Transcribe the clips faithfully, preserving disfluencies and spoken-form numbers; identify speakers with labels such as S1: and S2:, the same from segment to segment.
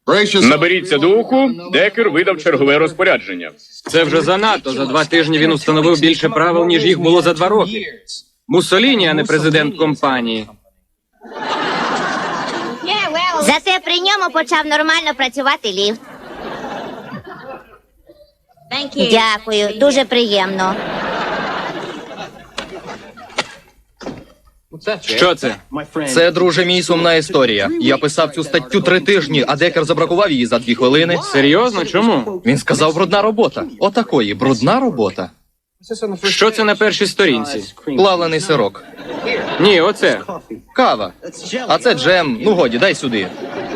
S1: Наберіться духу, Декер видав чергове розпорядження.
S2: Це вже занадто. За два тижні він установив більше правил, ніж їх було за два роки. Муссоліні, а не президент компанії.
S3: Зате при ньому почав нормально працювати ліфт. Дякую, дуже приємно.
S2: Що це?
S4: Це, друже мій, сумна історія. Я писав цю статтю три тижні, а Декер забракував її за дві хвилини.
S2: Серйозно? Чому?
S4: Він сказав, брудна робота. Отакої, брудна робота.
S2: Що це на першій сторінці?
S4: Плавлений сирок.
S2: Ні, оце.
S4: Кава. А це джем. Ну годі, дай сюди.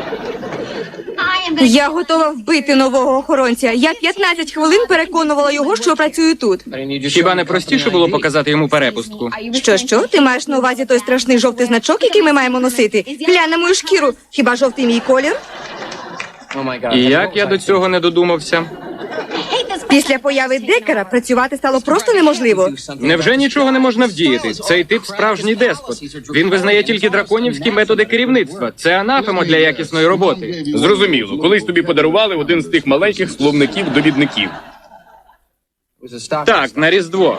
S5: Я готова вбити нового охоронця. Я п'ятнадцять хвилин переконувала його, що працюю тут.
S2: Хіба не простіше було показати йому перепустку?
S5: Що, що? Ти маєш на увазі той страшний жовтий значок, який ми маємо носити? Глянь на мою шкіру. Хіба жовтий мій колір?
S2: І як я до цього не додумався?
S5: Після появи Декера працювати стало просто неможливо.
S2: Невже нічого не можна вдіяти? Цей тип справжній деспот. Він визнає тільки драконівські методи керівництва. Це анафема для якісної роботи.
S1: Зрозуміло, колись тобі подарували один з тих маленьких словників-довідників.
S2: Так, на Різдво.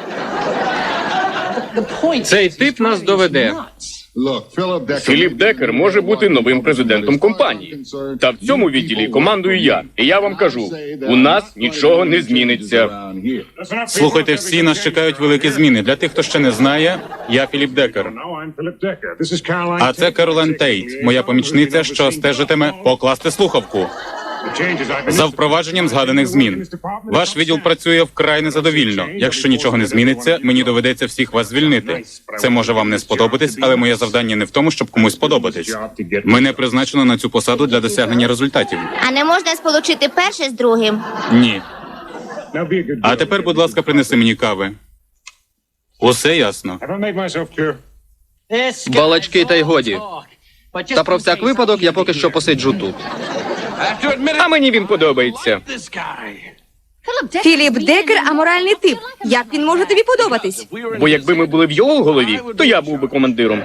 S2: Цей тип нас доведе.
S1: Філіп Декер може бути новим президентом компанії. Та в цьому відділі командую я. І я вам кажу, у нас нічого не зміниться.
S6: Слухайте, всі нас чекають великі зміни. Для тих, хто ще не знає, я Філіп Декер. А це Керолайн Тейт, моя помічниця, що стежитиме покласти слухавку. За впровадженням згаданих змін. Ваш відділ працює вкрай незадовільно. Якщо нічого не зміниться, мені доведеться всіх вас звільнити. Це може вам не сподобатись, але моє завдання не в тому, щоб комусь подобатись. Мене призначено на цю посаду для досягнення результатів.
S3: А не можна сполучити перше з другим?
S6: Ні. А тепер, будь ласка, принеси мені кави. Усе ясно.
S4: Балачки та й годі. Та про всяк випадок я поки що посиджу тут.
S1: А мені він подобається.
S5: Філіп Декер – аморальний тип. Як він може тобі подобатись?
S1: Бо якби ми були в його голові, то я був би командиром.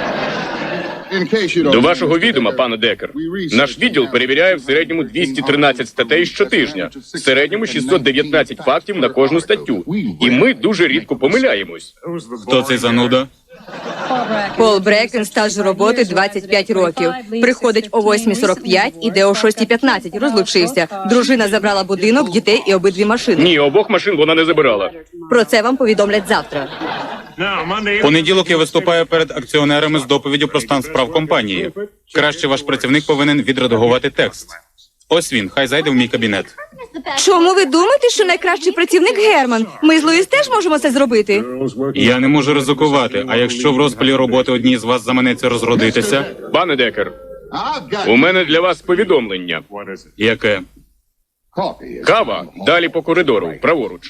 S1: До вашого відома, пане Декер, наш відділ перевіряє в середньому двісті тринадцять статей щотижня, в середньому шістсот дев'ятнадцять фактів на кожну статтю. І ми дуже рідко помиляємось.
S6: Хто цей зануда?
S5: Пол Брекен, стаж роботи двадцять п'ять років. Приходить о восьмій сорок п'ять, іде о шостій п'ятнадцять. Розлучився. Дружина забрала будинок, дітей і обидві машини.
S1: Ні, обох машин вона не забирала.
S5: Про це вам повідомлять завтра.
S6: В понеділок я виступаю перед акціонерами з доповіддю про стан справ компанії. Краще ваш працівник повинен відредагувати текст. Ось він, хай зайде в мій кабінет.
S5: Чому ви думаєте, що найкращий працівник Герман? Ми з Луїс теж можемо це зробити.
S6: Я не можу ризикувати, а якщо в розпалі роботи одній з вас заманеться розродитися?
S1: Пане Декер, у мене для вас повідомлення.
S6: Яке?
S1: Кава далі по коридору, праворуч.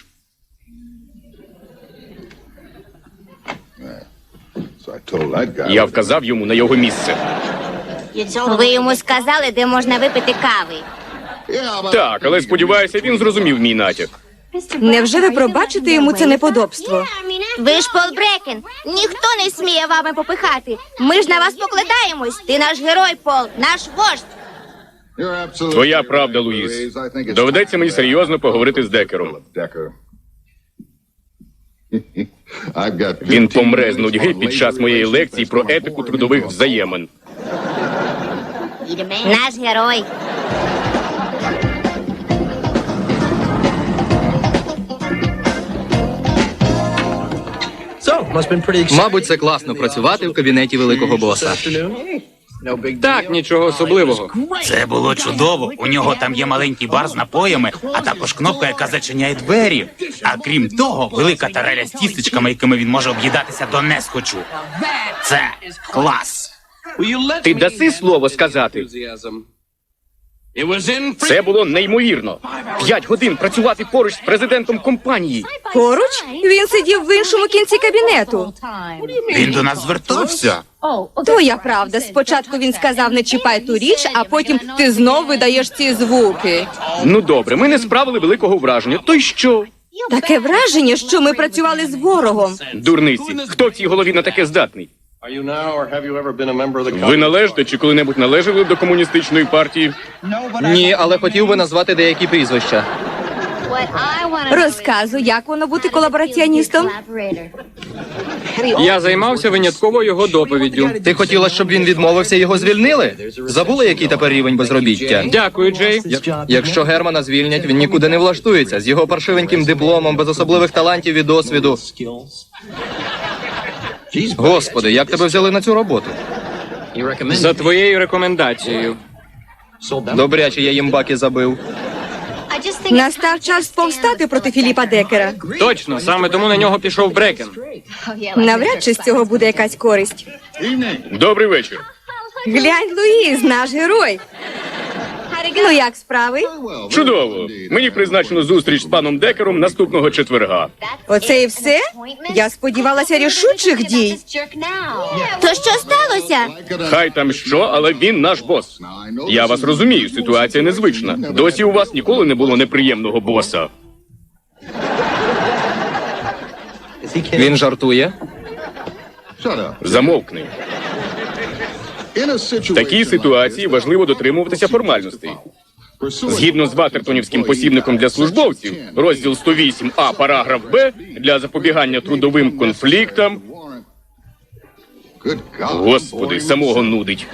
S1: Я вказав йому на його місце.
S3: Ви йому сказали, де можна випити кави.
S1: Так, але сподіваюся, він зрозумів мій натяк.
S5: Невже ви пробачите йому це неподобство?
S3: Ви ж Пол Брекен. Ніхто не сміє вами попихати. Ми ж на вас покладаємось. Ти наш герой, Пол, наш вождь.
S1: Твоя правда, Луїс. Доведеться мені серйозно поговорити з Декером. Він помре з нудьги під час моєї лекції про етику трудових взаємин.
S3: Наш герой.
S4: Мабуть, це класно працювати в кабінеті великого боса.
S2: Так, нічого особливого.
S7: Це було чудово. У нього там є маленький бар з напоями, а також кнопка, яка зачиняє двері. А крім того, велика тареля з тістечками, якими він може об'їдатися до несхочу. Це клас.
S1: Ти даси слово сказати? Це було неймовірно. П'ять годин працювати поруч з президентом компанії.
S5: Поруч? Він сидів в іншому кінці кабінету.
S7: Він до нас звертався.
S5: Твоя правда. Спочатку він сказав, не чіпай ту річ, а потім ти знов видаєш ці звуки.
S1: Ну добре, ми не справили великого враження. То й що?
S5: Таке враження, що ми працювали з ворогом.
S1: Дурниці, хто в цій голові на таке здатний? Ви належите чи коли-небудь належали до комуністичної партії?
S4: Ні, але хотів би назвати деякі прізвища.
S5: Розказуй, як воно бути колабораціоністом?
S2: Я займався винятково його доповіддю.
S4: Ти хотіла, щоб він відмовився, його звільнили? Забули, який тепер рівень безробіття?
S2: Дякую, Джей.
S4: Якщо Германа звільнять, він нікуди не влаштується. З його паршивеньким дипломом, без особливих талантів і досвіду. Господи, як тебе взяли на цю роботу?
S2: За твоєю рекомендацією.
S4: Добряче я їм баки забив.
S5: Настав час повстати проти Філіпа Декера.
S2: Точно, саме тому на нього пішов Брекен.
S5: Навряд чи з цього буде якась користь.
S1: Добрий вечір.
S5: Глянь, Луїз, наш герой. Ну як справи?
S1: Чудово. Мені призначено зустріч з паном Декером наступного четверга.
S5: Оце і все? Я сподівалася рішучих дій.
S3: То що сталося?
S1: Хай там що, але він наш бос. Я вас розумію, ситуація незвична. Досі у вас ніколи не було неприємного боса.
S4: Він жартує.
S1: Замовкни. В такій ситуації важливо дотримуватися формальностей. Згідно з Ватертонівським посібником для службовців, розділ сто вісім А, параграф Б, для запобігання трудовим конфліктам. Господи, самого нудить.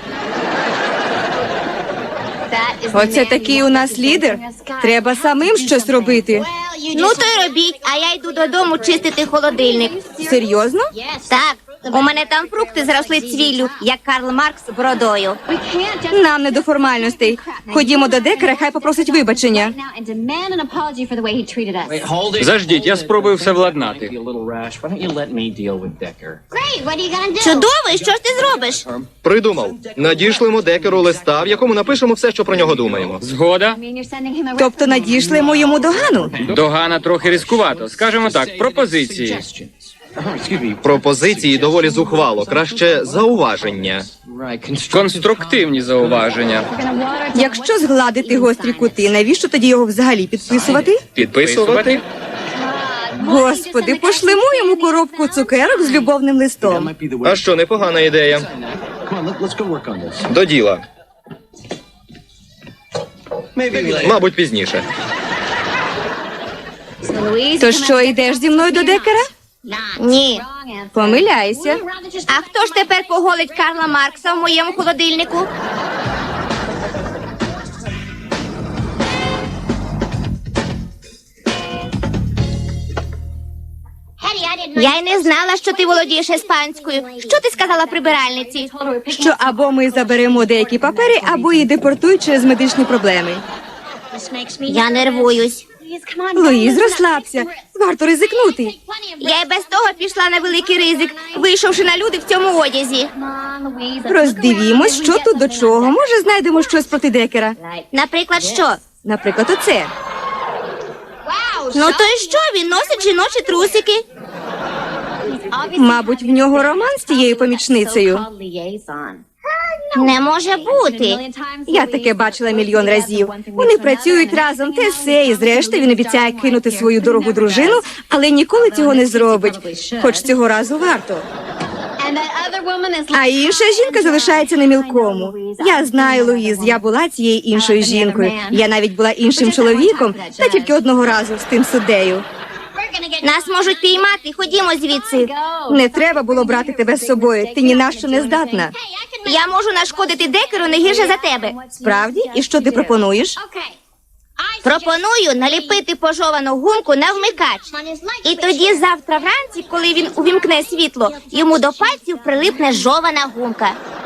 S5: Оце такий у нас лідер. Треба самим щось робити.
S3: Ну то й робіть, а я йду додому чистити холодильник.
S5: Серйозно?
S3: Так, у мене там фрукти зросли цвіллю, як Карл Маркс бородою.
S5: Нам не до формальностей. Ходімо до Декера, хай попросить вибачення.
S2: Заждіть, я спробую все владнати.
S3: Чудово, і що ж ти зробиш?
S4: Придумав. Надішлемо Декеру листа, в якому напишемо все, що про нього думаємо.
S2: Згода?
S5: Тобто надійшлемо йому догану.
S2: Догана трохи різкувато. Скажемо так, пропозиції.
S4: Пропозиції доволі зухвало. Краще зауваження.
S2: Конструктивні зауваження.
S5: Якщо згладити гострі кути, навіщо тоді його взагалі підписувати?
S2: Підписувати?
S5: Господи, пошлемо йому коробку цукерок з любовним листом.
S4: А що, непогана ідея. До діла. Мабуть, пізніше.
S5: То що, йдеш зі мною до Декера?
S3: Ні.
S5: Помиляйся.
S3: А хто ж тепер поголить Карла Маркса в моєму холодильнику? Я й не знала, що ти володієш іспанською. Що ти сказала прибиральниці?
S5: Що або ми заберемо деякі папери, або її депортують через медичні проблеми.
S3: Я нервуюсь.
S5: Луїз, розслабся. Варто ризикнути.
S3: Я й без того пішла на великий ризик, вийшовши на люди в цьому одязі.
S5: Роздивімось, що тут до чого. Може, знайдемо щось проти Декера.
S3: Наприклад, що?
S5: Наприклад, оце.
S3: Ну то й що? Він носить жіночі трусики.
S5: Мабуть, в нього роман з тією помічницею.
S3: Не може бути.
S5: Я таке бачила мільйон разів. Вони працюють разом, те все, і зрештою він обіцяє кинути свою дорогу дружину, але ніколи цього не зробить. Хоч цього разу варто. А інша жінка залишається на мілкому. Я знаю, Луїз, я була цією іншою жінкою. Я навіть була іншим чоловіком, та тільки одного разу з тим суддею.
S3: Нас можуть піймати, ходімо звідси.
S5: Не треба було брати тебе з собою, ти ні на що не здатна.
S3: Я можу нашкодити Декеру не гірше за тебе.
S5: Справді? І що ти пропонуєш?
S3: Пропоную наліпити пожовану гумку на вмикач. І тоді завтра вранці, коли він увімкне світло, йому до пальців прилипне жована гумка.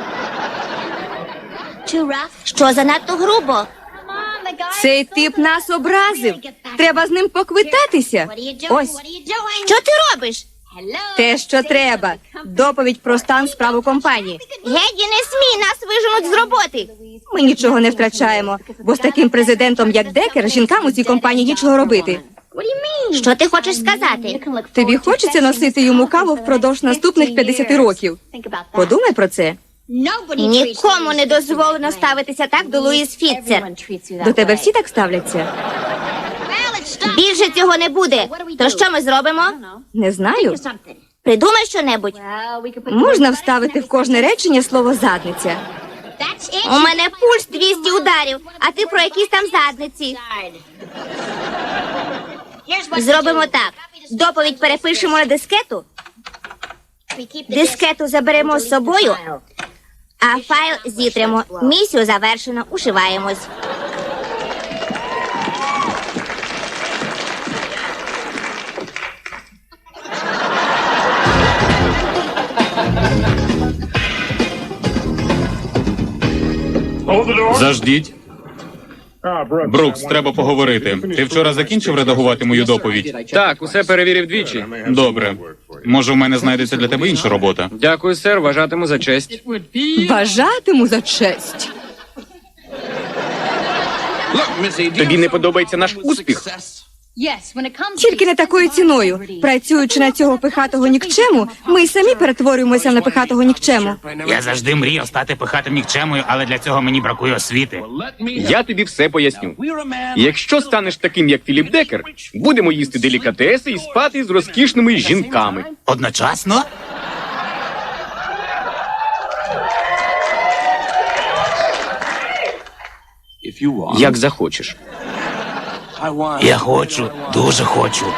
S3: Що занадто грубо?
S5: Цей тип нас образив. Треба з ним поквитатися. Ось,
S3: Що ти робиш?
S5: те, що треба. Доповідь про стан справ у компанії.
S3: Геді, не смій, нас виженуть з роботи.
S5: Ми нічого не втрачаємо, бо з таким президентом, як Декер, жінкам у цій компанії нічого робити.
S3: Що ти хочеш сказати?
S5: Тобі хочеться носити йому каву впродовж наступних п'ятдесят років? Подумай про це.
S3: Нікому не дозволено ставитися так до Луїз Фітцер.
S5: До тебе всі так ставляться?
S3: Більше цього не буде. То що ми зробимо?
S5: Не знаю.
S3: Придумай щонебудь.
S5: Можна вставити в кожне речення слово задниця.
S3: У мене пульс двісті ударів, а ти про якісь там задниці. Зробимо так. Доповідь перепишемо на дискету. Дискету заберемо з собою, а файл зітремо. Місію завершено. Ушиваємось.
S6: Заждіть. Брукс, треба поговорити. Ти вчора закінчив редагувати мою доповідь?
S2: Так, усе перевірив двічі.
S6: Добре. Може, в мене знайдеться для тебе інша робота?
S2: Дякую, сер, вважатиму за честь.
S5: Вважатиму за честь.
S1: Тобі не подобається наш успіх?
S5: Тільки не такою ціною. Працюючи на цього пихатого нікчему, ми й самі перетворюємося на пихатого нікчему.
S7: Я завжди мріяв стати пихатим нікчемою, але для цього мені бракує освіти.
S1: Я тобі все поясню. Якщо станеш таким, як Філіп Декер, будемо їсти делікатеси і спати з розкішними жінками.
S7: Одночасно?
S1: Як захочеш.
S7: Я хочу, дуже хочу.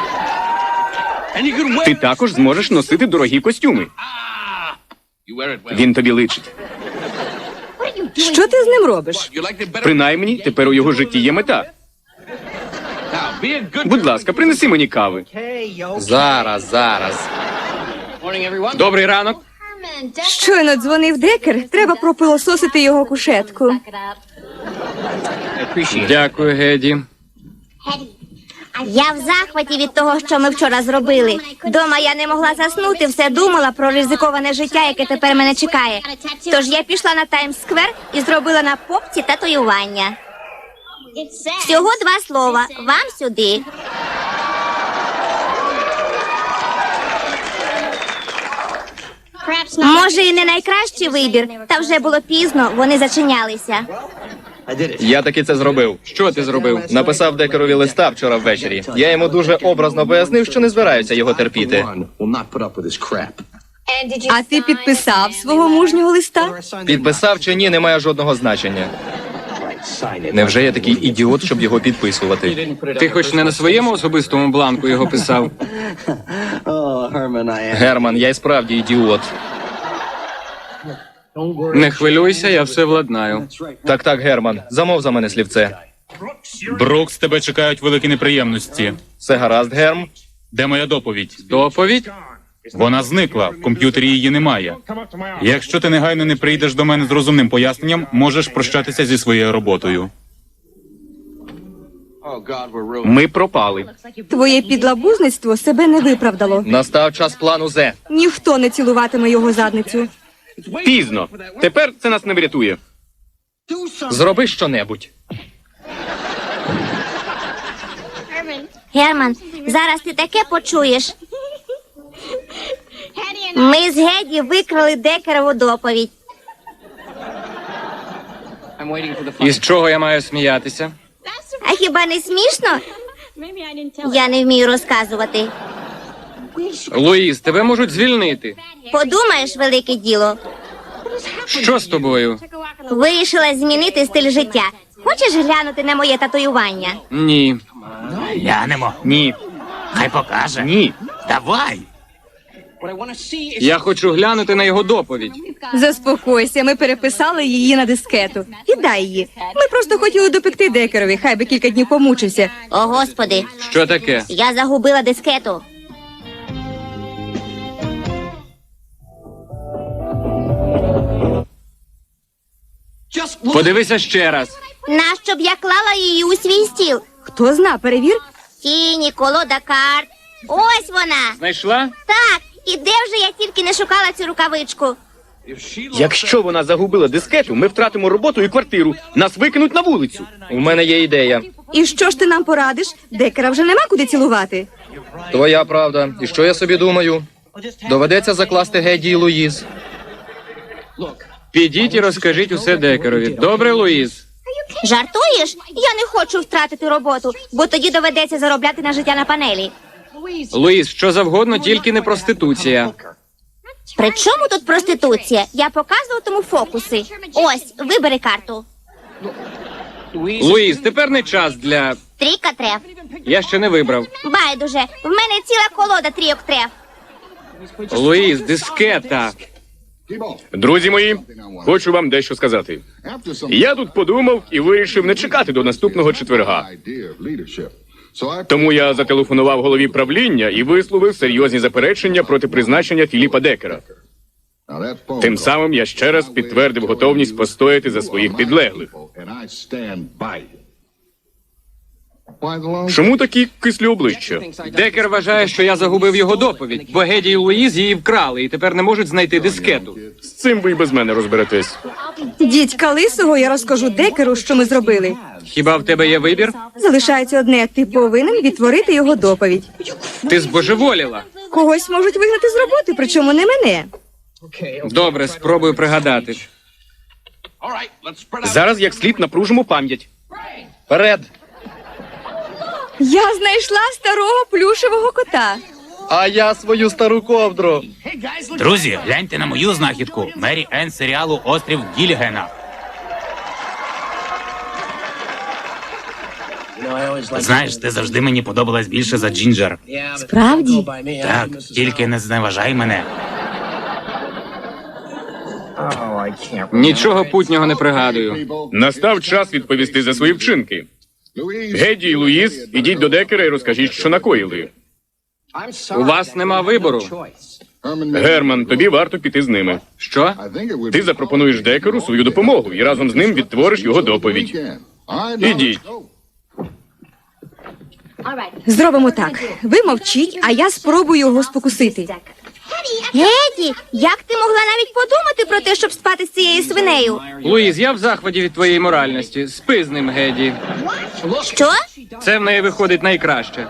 S1: Ти також зможеш носити дорогі костюми. Він тобі личить.
S5: Що ти з ним робиш?
S1: Принаймні, тепер у його житті є мета. Будь ласка, принеси мені кави.
S4: Зараз, зараз.
S2: Добрий ранок.
S5: Щойно дзвонив Декер, треба пропилососити його кушетку.
S2: Дякую, Геді.
S3: Я в захваті від того, що ми вчора зробили. Дома я не могла заснути, все думала про ризиковане життя, яке тепер мене чекає. Тож я пішла на Таймс-сквер і зробила на попці татуювання. Всього два слова. Вам сюди. Може, і не найкращий вибір, та вже було пізно, вони зачинялися.
S4: Я таки це зробив.
S2: Що ти зробив?
S4: Написав Декерові листа вчора ввечері. Я йому дуже образно пояснив, що не збираюся його терпіти.
S5: А ти підписав свого мужнього листа?
S4: Підписав чи ні, не має жодного значення. Невже я такий ідіот, щоб його підписувати?
S2: Ти хоч не на своєму особистому бланку його писав?
S4: Герман, я й справді ідіот.
S2: Не хвилюйся, я все владнаю.
S4: Так, так, Герман, замов за мене слівце.
S6: Брукс, тебе чекають великі неприємності.
S4: Все гаразд, Герм?
S6: Де моя доповідь?
S2: Доповідь?
S6: Вона зникла, в комп'ютері її немає. Якщо ти негайно не прийдеш до мене з розумним поясненням, можеш прощатися зі своєю роботою.
S1: Ми пропали.
S5: Твоє підлабузництво себе не виправдало.
S4: Настав час плану Зе.
S5: Ніхто не цілуватиме його задницю.
S1: Пізно. Тепер це нас не врятує.
S4: Зроби щонебудь.
S3: Герман, зараз ти таке почуєш. Ми з Геді викрали Декерову доповідь.
S2: І з чого я маю сміятися?
S3: А хіба не смішно? Я не вмію розказувати.
S2: Луїс, тебе можуть звільнити.
S3: Подумаєш, велике діло.
S2: Що з тобою?
S3: Вирішила змінити стиль життя. Хочеш глянути на моє татуювання?
S2: Ні.
S7: Глянемо.
S1: Ні.
S7: Хай покаже.
S1: Ні.
S7: Давай.
S2: Я хочу глянути на його доповідь.
S5: Заспокойся, ми переписали її на дискету. Віддай її. Ми просто хотіли допекти Декерові, хай би кілька днів помучився.
S3: О, Господи,
S2: Що таке?
S3: я загубила дискету.
S2: Подивися ще раз.
S3: Нащо б я клала її у свій стіл?
S5: Хто зна, перевір.
S3: Тіні, колода карт. Ось вона.
S2: Знайшла?
S3: Так, і де вже я тільки не шукала цю рукавичку.
S1: Якщо вона загубила дискету, ми втратимо роботу і квартиру. Нас викинуть на вулицю.
S4: У мене є ідея.
S5: І що ж ти нам порадиш? Декера вже нема куди цілувати.
S4: Твоя правда. І що я собі думаю? Доведеться закласти Геді і Луїз.
S2: Підіть і розкажіть усе Декерові. Добре, Луїз?
S3: Жартуєш? Я не хочу втратити роботу, бо тоді доведеться заробляти на життя на панелі.
S2: Луїс, що завгодно, тільки не проституція.
S3: При чому тут проституція? Я показуватиму фокуси. Ось, вибери карту.
S2: Луїс, тепер не час для...
S3: Трійка треф.
S2: Я ще не вибрав.
S3: Байдуже, в мене ціла колода трійок треф.
S2: Луїс, дискета.
S1: Друзі мої, хочу вам дещо сказати. Я тут подумав і вирішив не чекати до наступного четверга. Тому я зателефонував голові правління і висловив серйозні заперечення проти призначення Філіпа Декера. Тим самим я ще раз підтвердив готовність постояти за своїх підлеглих. Чому такі кислі обличчя?
S2: Декер вважає, що я загубив його доповідь, бо Геді і Луїз її вкрали і тепер не можуть знайти дискету.
S1: З цим ви й без мене розберетесь.
S5: Дідька Лисого, я розкажу Декеру, що ми зробили.
S2: Хіба в тебе є вибір?
S5: Залишається одне, ти повинен відтворити його доповідь.
S2: Ти збожеволіла.
S5: Когось можуть вигнати з роботи, причому не мене.
S2: Добре, спробую пригадати.
S1: Зараз як слід напружимо пам'ять.
S4: Вперед!
S5: Я знайшла старого плюшевого кота.
S4: А я свою стару ковдру.
S7: Друзі, гляньте на мою знахідку. Мері Енн з серіалу «Острів Гілігена». Знаєш, ти завжди мені подобалась більше за Джинджер.
S5: Справді?
S7: Так, тільки не зневажай мене.
S2: Нічого путнього не пригадую.
S1: Настав час відповісти за свої вчинки. Геді і Луїс, ідіть до Декера і розкажіть, що накоїли.
S2: У вас нема вибору.
S1: Герман, тобі варто піти з ними.
S2: Що?
S1: Ти запропонуєш Декеру свою допомогу і разом з ним відтвориш його доповідь. Ідіть.
S5: Зробимо так. Ви мовчіть, а я спробую його спокусити.
S3: Геді, як ти могла навіть подумати про те, щоб спати з цією свинею?
S2: Луїз, я в захваті від твоєї моральності. Спи з ним, Геді.
S3: Що?
S2: Це в неї виходить найкраще.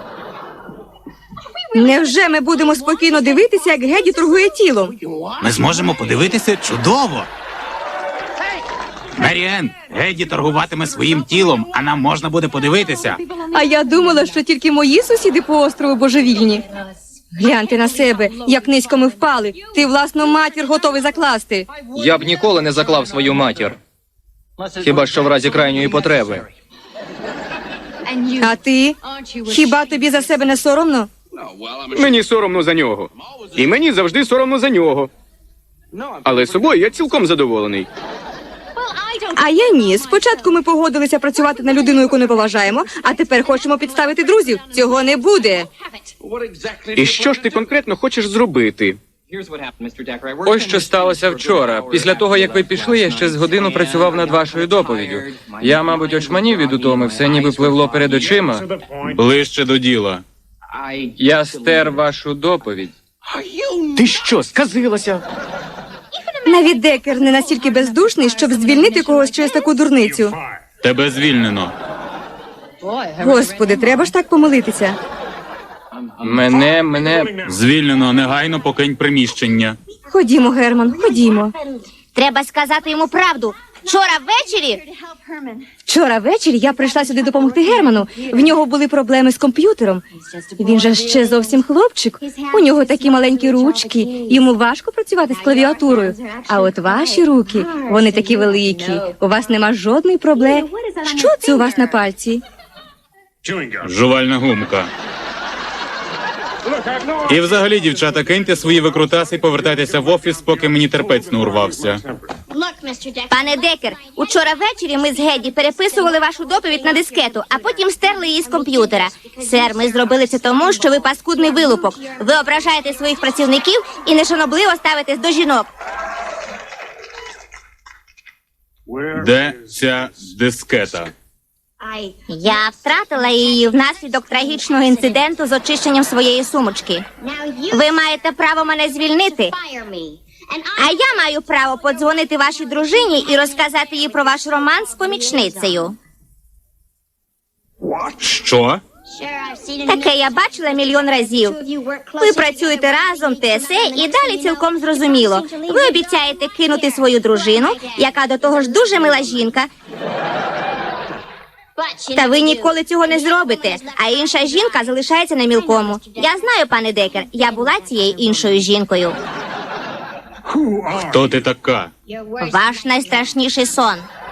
S5: Невже ми будемо спокійно дивитися, як Геді торгує тілом?
S7: Ми зможемо подивитися чудово. Мері Енн, Геді торгуватиме своїм тілом, а нам можна буде подивитися.
S5: А я думала, що тільки мої сусіди по острову божевільні. Гляньте на себе, як низько ми впали. Ти власну матір готовий закласти.
S4: Я б ніколи не заклав свою матір. Хіба що в разі крайньої потреби.
S5: А ти? Хіба тобі за себе не соромно?
S1: Мені соромно за нього. І мені завжди соромно за нього. Але собою я цілком задоволений.
S5: А я ні. Спочатку ми погодилися працювати на людину, яку не поважаємо, а тепер хочемо підставити друзів. Цього не буде.
S1: І що ж ти конкретно хочеш зробити?
S2: Ось що сталося вчора. Після того, як ви пішли, я ще з годину працював над вашою доповіддю. Я, мабуть, очманів від утоми, все ніби пливло перед очима.
S6: Ближче до діла.
S2: Я стер вашу доповідь.
S1: Ти що, сказилася?
S5: Навіть Декер не настільки бездушний, щоб звільнити когось через таку дурницю.
S6: Тебе звільнено.
S5: Господи, треба ж так помилитися.
S2: Мене, мене...
S6: Звільнено, негайно покинь приміщення.
S5: Ходімо, Герман, ходімо.
S3: Треба сказати йому правду. Вчора ввечері
S5: Вчора ввечері я прийшла сюди допомогти Герману. В нього були проблеми з комп'ютером. Він же ще зовсім хлопчик. У нього такі маленькі ручки. Йому важко працювати з клавіатурою. А от ваші руки, вони такі великі. У вас нема жодної проблеми. Що це у вас на пальці?
S6: Жувальна гумка. І взагалі, дівчата, киньте свої викрутаси і повертайтеся в офіс, поки мені терпець не урвався.
S3: Пане Декер, учора ввечері ми з Геді переписували вашу доповідь на дискету, а потім стерли її з комп'ютера. Сер, ми зробили це тому, що ви паскудний вилупок. Ви ображаєте своїх працівників і нешанобливо ставитесь до жінок.
S6: Де ця дискета?
S3: Я втратила її внаслідок трагічного інциденту з очищенням своєї сумочки. Ви маєте право мене звільнити. А я маю право подзвонити вашій дружині і розказати їй про ваш роман з помічницею.
S6: Що?
S3: Таке я бачила мільйон разів. Ви працюєте разом, ТСЕ, і далі цілком зрозуміло. Ви обіцяєте кинути свою дружину, яка до того ж дуже мила жінка. Та ви ніколи цього не зробите, а інша жінка залишається на мілкому. Я знаю, пане Декер, я була цією іншою жінкою.
S6: Хто ти така?
S3: Ваш найстрашніший сон.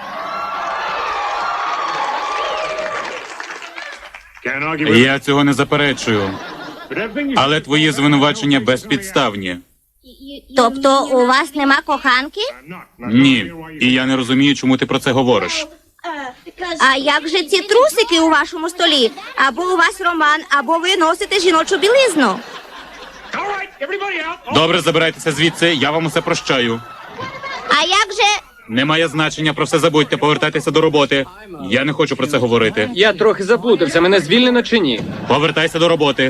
S6: Я цього не заперечую. Але твої звинувачення безпідставні.
S3: Тобто у вас нема коханки?
S6: Ні. І я не розумію, чому ти про це говориш.
S3: А як же ці трусики у вашому столі? Або у вас роман, або ви носите жіночу білизну.
S6: Добре, забирайтеся звідси, я вам усе прощаю.
S3: А як же...
S6: Немає значення, про все забудьте, повертайтеся до роботи. Я не хочу про це говорити.
S2: Я трохи заплутався, мене звільнено чи ні?
S6: Повертайся до роботи.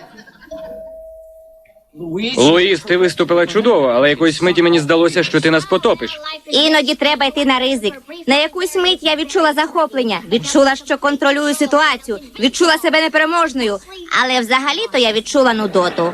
S2: Луїс, ти виступила чудово, але якоїсь миті мені здалося, що ти нас потопиш.
S3: Іноді треба йти на ризик. На якусь мить я відчула захоплення, відчула, що контролюю ситуацію, відчула себе непереможною. Але взагалі-то я відчула нудоту.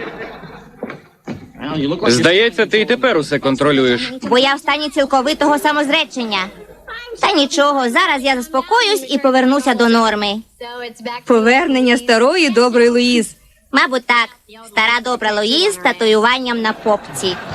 S2: Здається, ти й тепер усе контролюєш.
S3: Бо я в стані цілковитого самозречення. Та нічого, зараз я заспокоюсь і повернуся до норми.
S5: Повернення старої доброї Луїз.
S3: Мабуть, так. Стара добра Луїз з татуюванням на попці.